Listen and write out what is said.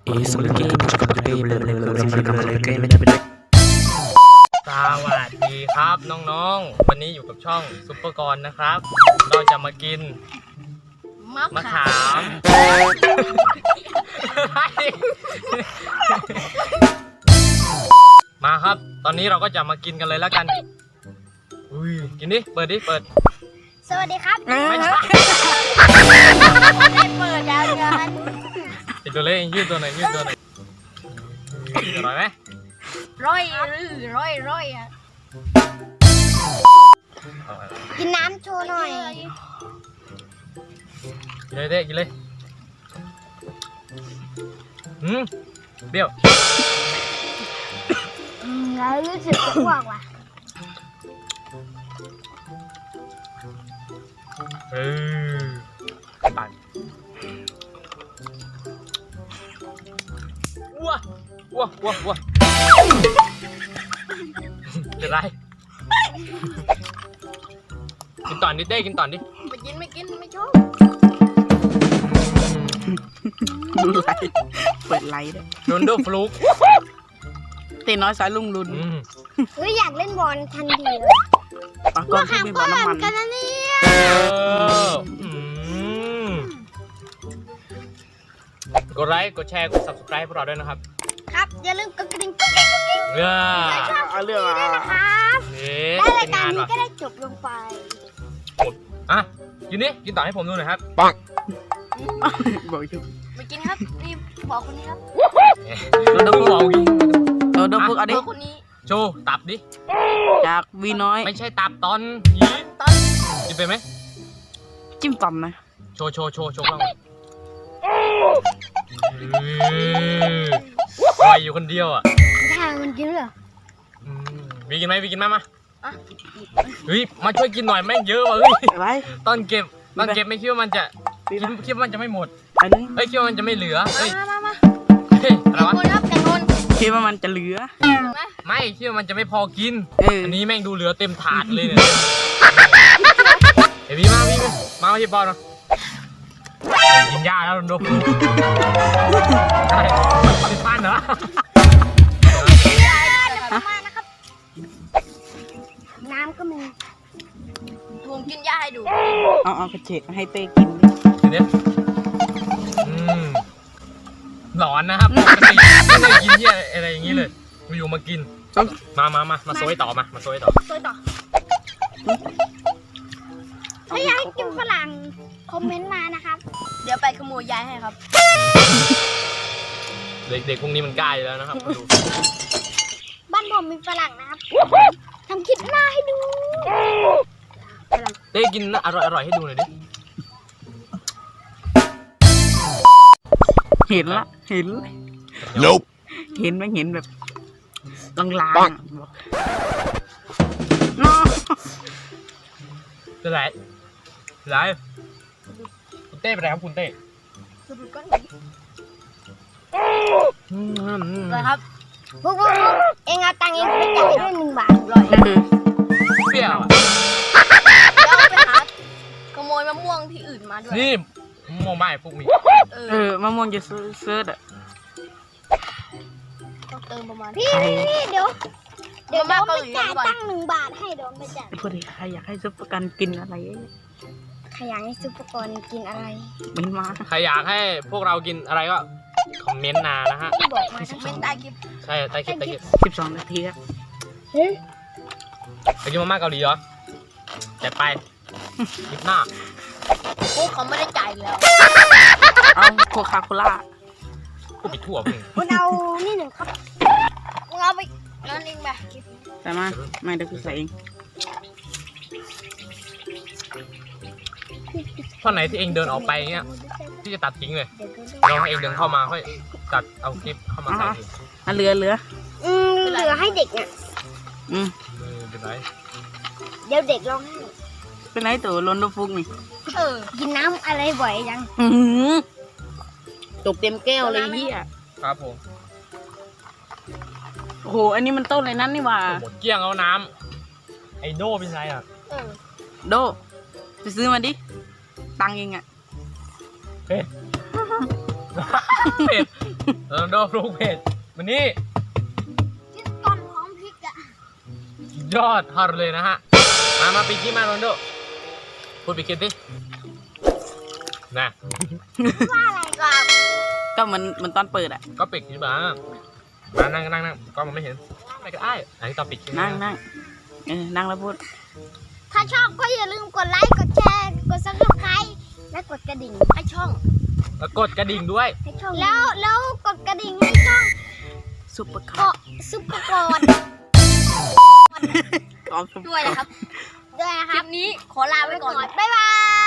Es un gameสวัสดีครับน้องๆวันนี้อยู่กับช่องซุปเปอร์กรนะครับ เราจะมากินมะขามมาครับตอนนี้เราก็จะมากินกันเลยแล้วกันอุ้ยกินดิเปิดดิเปิดสวัสดีครับไม่ใช่เปิดยาวกันติดตัวเล็กยืดตัวหน่อยยืดตัวหน่อยอร่อยไหมร่อยอ่ะกินน้ำโชว์หน่อยกินเลยเด้กินเลยเปรี้ยวแล้วรู้สึกจะอ้วกว่ะปั่นว้าเป็นไรกินต่อนดิเต้กินต่อนดิไม่กินไม่ชอบดูไลฟ์เปิดไลฟ์ด้วยโดนโดฟลุกตีน้อยสายลุงลุนเฮ้ยอยากเล่นบอลทันทีเลยปากกอนที่มีบอลน้ำมันกันนะเนี่ยกดไลค์กดแชร์กด subscribe พวกเราด้วยนะครับครับอย่าลืมกดกระดิ่งกุ๊กกิ๊กเอาเรื่องอะไรนะครับได้รายการนี้ก็ได้จบลงไปอ่ะกินนี่กินต่อให้ผมดูหน่อยครับปังบอกอยู่ไม่กินครับนี่บอกคนนี้ครับเราต้องบอกกินเราพูดอะไรคนนี้โชว์ตับดิจากวีน้อยไม่ใช่ตับตอนกินไปไหมจิ้มต่อมนะโชว์บ้างปล่อยอยู่คนเดียวอ่ะทางมันกินเหรอวีกินไหมวีกินมาเฮ้ยมาช่วยกินหน่อยแม่งเยอะว่ะเฮ้ยตอนเก็บไม่คิดว่ามันจะคิดว่ามันจะไม่หมดเฮ้ยคิดว่ามันจะไม่เหลือเฮ้ยมาเฮ้ยอะไรวะคิดว่ามันจะเหลือไม่คิดว่ามันจะไม่พอกินอันนี้แม่งดูเหลือเต็มถาดเลยเนี่ยเฮ้ยวีมาที่บอลนะกินยาแล้วโดนไม่พันเหรอน้ำก็มีผมกินยาให้ดูเอากระเฉดให้เต้กินดิหลอนนะครับไม่เคยกินเยอะอะไรอย่างนี้เลยอยู่มากินมาโซยต่อมาโซยต่อถ้าอยากให้กินฝรั่งคอมเมนต์มานะครับเดี๋ยวไปขโมยยายให้ครับเด็กพวกนี้มันกล้าอยู่แล้วนะครับดูบ้านผมมีฝรั่งนะครับทำคลิปหน้าให้ดูเต้กินอร่อยให้ดูหน่อยดิเห็นละเห็นไม่เห็นแบบลางจะไหนคุณเต้ไปไหนครับคุณเต้ครับพวกเองเอาตังค์เองไปจ่ายด้วย1 บาทเปรี้ยวแล้วไปหาขโมยมะม่วงที่อื่นมาด้วยนี่มะม่วงไม่พวกมีมะม่วงจะเซิร์ชอ่ะต้องเติมประมาณพี่เดี๋ยวมาไปจ่ายตังค์1 บาทให้เดี๋ยวไปจ่ายพูดดิใครอยากให้ซุปเปอร์กันกินอะไรใครอยากให้ซุปเปอร์กรกินอะไรเม้นมาใครอยากให้พวกเรากินอะไรก็คอมเมนต์นานะฮะบอกมาคอมเมนต์ใต้คลิปใช่ใต้คลิป 12 นาทีครับไปกินมาม่าเกาหลีเหรอจัดไปคลิปหน้าพวกเขาไม่ได้จ่ายแล้วเอาโคคาโคล่าพูดไปทั่วคุณเอานี่1 ครับคุณเอาไปนั่นเองไปใส่มาไม่เดี๋ยวกูใส่เองท่อนไหนที่เองเดินออกไปเงี้ยที่จะตัดทิ้งเลยเราให้เองเดินเข้ามาค่อยตัดเอาคลิปเข้ามาใส่เหลือเหลือให้เด็กเนี่ยเป็นไรเดี๋ยวเด็กร้องให้เป็นไรตัวล้นลูกฟุกนี่กินน้ำอะไรบ่อยยังตกเต็มแก้วเลยพี่อ่ะครับผมโอ้โหอันนี้มันต้นอะไรนั่นนี่ว่าหมดเกลี้ยงเอาน้ำไอโดเป็นไรอ่ะโดไปซื้อมาดิตังเองอ่ะเฮ้ยเผ็ดโรนัลโดปรุงเผ็ดมันนี่กินก่อนพร้อมพริกอะยอดทอดเลยนะฮะมาปิดคลิปมาโรนัลโดพูดปิดคลิปดินะว่าอะไรก่อนก็มันตอนเปิดอ่ะก็ปิดคลิปมานั่งก็มันไม่เห็นไม่ก็ได้อันนี้ตอนปิดคลิปนั่งนั่งแล้วพูดถ้าชอบก็อย่าลืมกดไลค์กดแชร์กดซับสไครต์และกดกระดิ่งให้ช่องแล้วกดกระดิ่งด้วยให้ช่องแล้วกดกระดิ่งให้ช่องซุปเปอร์คเกาะซุปเปอร์กอนอร์ด้วยนะครับ คลิปนี้ขอลาไว้ก่อน บ๊ายบาย